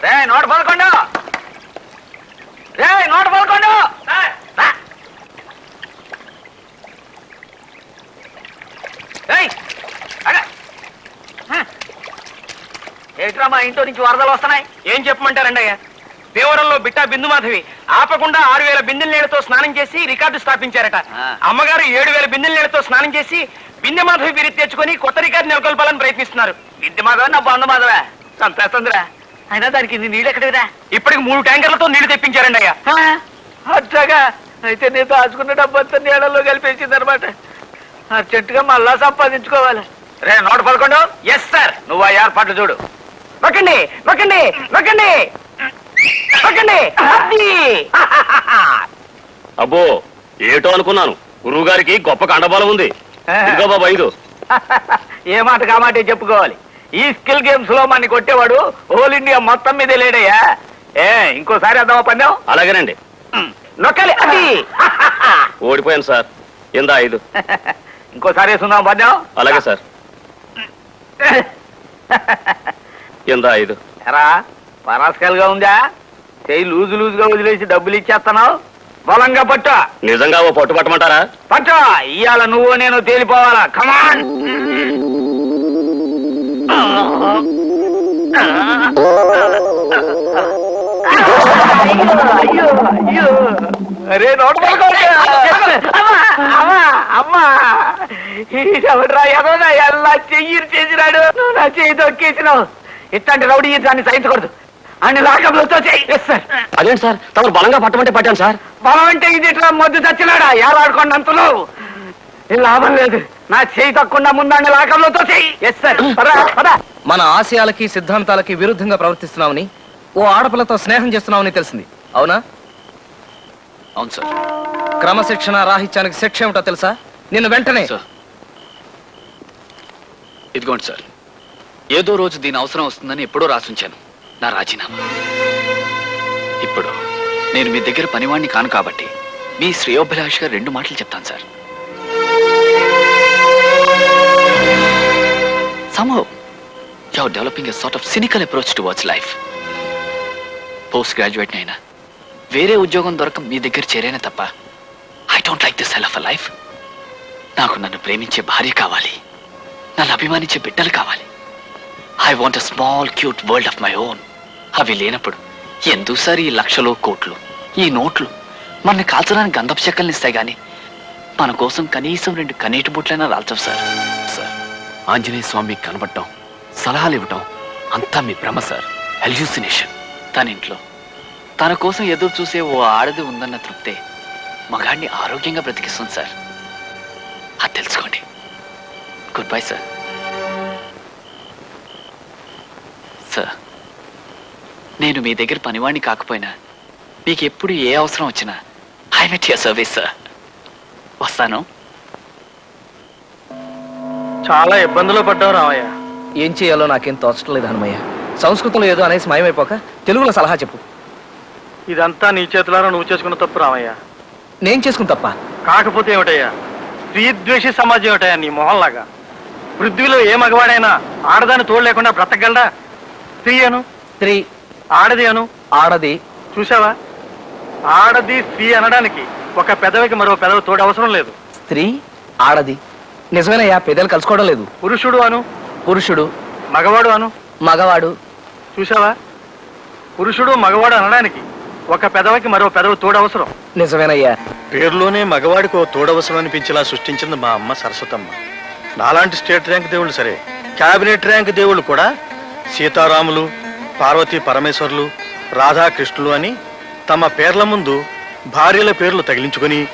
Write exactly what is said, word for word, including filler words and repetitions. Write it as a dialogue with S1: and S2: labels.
S1: రే నూట పదకొండు రే నూట పదకొండు ఏట్రా మా ఇంట్లో నుంచి వరదలు వస్తున్నాయి.
S2: ఏం చెప్పమంటారండి అయ్యా, దేవరంలో బిట్టా బిందు మాధవి ఆపకుండా ఆరు వేల బిందెల నీళ్లతో స్నానం చేసి రికార్డు స్థాపించారట. అమ్మగారు ఏడు వేల బిందెల నీళ్లతో స్నానం చేసి బిందె మాధవి బిరి తెచ్చుకొని కొత్త రికార్డు నెలకొల్పాలని ప్రయత్నిస్తున్నారు.
S1: బిందె మాధవ నా బంధు మాధవా చంపేస్తుందిరా. అయినా దానికి నీళ్ళు ఎక్కడిరా?
S2: ఇప్పటికి మూడు ట్యాంకర్లతో నీళ్లు తెప్పించారండి అయ్యా.
S1: అట్లాగా అయితే నేను దాచుకున్న డబ్బంతా నీళ్ళలో కలిపేసింది అనమాట. అర్జెంటుగా మళ్ళా సంపాదించుకోవాలి. రే నూట పదకొండు.
S2: Yes sir.
S1: నువ్వు ఆ ఏర్పాట్లు చూడు.
S2: నొక్కండి నొక్కండి నొక్కండి నొక్కండి.
S3: అబ్బో ఏటో అనుకున్నాను, గురువు గారికి గొప్ప కండబలం ఉంది. ఇదిగో బాబు ఐదు.
S1: ఏ మాట కామాటే చెప్పుకోవాలి. ఈ స్కిల్ గేమ్స్ లో మన కొట్టేవాడు హోల్ ఇండియా మొత్తం మీదే లేడయ్యా. ఏ ఇంకోసారి అద్దామా పందెం?
S3: అలాగేనండి.
S1: నొక్కాలి. అది
S3: ఓడిపోయాను సార్. ఇందా ఐదు.
S1: ఇంకోసారి వేసుకుందాం పందెం?
S3: అలాగే సార్. ఇందా ఐదు.
S1: ఎరా పరాస్కల్గా ఉందా? చెయ్యి లూజు లూజుగా వదిలేసి డబ్బులు ఇచ్చేస్తున్నావు. బలంగా పట్టు.
S3: నిజంగా ఓ పట్టు పట్టమంటారా?
S1: పట్టు. ఇవాళ నువ్వు నేను తేలిపోవాలా. కమాన్. అరే నోట్ అమ్మా ఎవడ్రా ఎదోనా ఎలా చెయ్యి చేసినాడు. నువ్వు నా చెయ్యి తొక్కేసినావు. ఇట్లాంటి రౌడీ దాన్ని సహించకూడదు. అన్ని లాకప్లతో చెయ్యి.
S3: అదేంటి సార్, తమరు బలంగా పట్టమంటే పట్టాను సార్.
S1: బలం అంటే ఇది ఇట్లా మొద్దు చచ్చినాడా? ఏలాడుకోండి అంతలో లాభం లేదు. నా చేయి తక్కువ ముందండి లాకప్లతో చెయ్యి. Yes sir.
S4: మన ఆశయాలకి సిద్ధాంతాలకి విరుద్ధంగా ప్రవర్తిస్తున్నామని, ఓ ఆడపిల్లతో స్నేహం చేస్తున్నామని తెలిసింది. అవునా?
S5: అవును సార్.
S4: క్రమశిక్షణ రాహిత్యానికి శిక్ష ఏమిటో తెలుసా? నిన్ను వెంటనే.
S5: ఇదిగోండి సార్, ఏదో రోజు దీని అవసరం వస్తుందని ఎప్పుడో రాసుంచాను నా రాజీనామా. ఇప్పుడు నేను మీ దగ్గర పనివాణ్ణి కాను కాబట్టి మీ శ్రేయోభిలాష్గా రెండు మాటలు చెప్తాను sir. Somehow, you're developing a sort of cynical approach towards life. Post graduate అయినా వేరే ఉద్యోగం దొరక మీ దగ్గర చేరేనే తప్ప I don't like this hell of a life. నాకు నన్ను ప్రేమించే భార్య కావాలి, నన్ను అభిమానించే బిడ్డలు కావాలి. I want a small cute world of my own. అవి లేనప్పుడు ఎందుకు సార్ ఈ లక్షలు కోట్లు, ఈ నోట్లు మనల్ని కాల్చడానికి గంధపు చెక్కల్ని ఇస్తాయి కానీ మన కోసం కనీసం రెండు కనీటి బుట్లైనా రాల్చవు సార్. సార్, ఆంజనేయ స్వామికి కనబడటం, సలహాలు ఇవ్వటం అంతా మీ భ్రమ సార్, హెల్యూసినేషన్. తన ఇంట్లో తన కోసం ఎదురు చూసే ఓ ఆడది ఉందన్న తృప్తే మగాడిని ఆరోగ్యంగా బ్రతికిస్తుంది సార్. అది తెలుసుకోండి. Good bye sir. సార్, నేను మీ దగ్గర పనివాణ్ణి కాకపోయినా మీకు ఎప్పుడు ఏ అవసరం వచ్చినా I met your service sir. వస్తాను.
S2: చాలా ఇబ్బందులు పడ్డావు రామయ్య.
S4: ఏం చేయాలో నాకేం తోచట్లేదు హనుమయ్య. సంస్కృతంలో ఏదో అనేసి మాయమైపోక తెలుగులో సలహా చెప్పు.
S2: ఇదంతా నీ చేతులారా నువ్వు చేసుకున్న తప్పు రామయ్య.
S4: నేను చేసుకుని తప్ప
S2: కాకపోతే ఏమిటయ్యా, స్త్రీద్వేషి సమాజం ఏమిటయ్యా నీ మొహంలాగా. పృథ్వీలో ఏ మగవాడైనా ఆడదాన్ని తోడు లేకుండా బ్రతకగలడా? స్త్రీ అను,
S4: స్త్రీ,
S2: ఆడది అను,
S4: ఆడది.
S2: చూసావా, ఆడది స్త్రీ అనడానికి ఒక పెదవికి మరో పెదవి తోడు అవసరం లేదు.
S4: స్త్రీ, ఆడది. నిజమేనయ్యా, పెద్దలు కలుసుకోవడం లేదు.
S2: పురుషుడు అను,
S4: పురుషుడు,
S2: మగవాడు అను.
S4: మగవాడు.
S2: చూసావా, పురుషుడు మగవాడు అనడానికి ఒక పెదవికి మరో పెదవి తోడు అవసరం.
S4: నిజమేనయ్యా.
S2: పేరులోనే మగవాడికి ఓ తోడవసరం అనిపించేలా సృష్టించింది మా అమ్మ సరస్వతమ్మ. నాలాంటి స్టేట్ ర్యాంక్ దేవుళ్ళు సరే, క్యాబినెట్ ర్యాంక్ దేవుళ్ళు కూడా సీతారాములు, పార్వతీ పరమేశ్వర్లు, రాధాకృష్ణులు అని తమ పేర్ల ముందు భార్యల పేర్లు తగిలించుకుని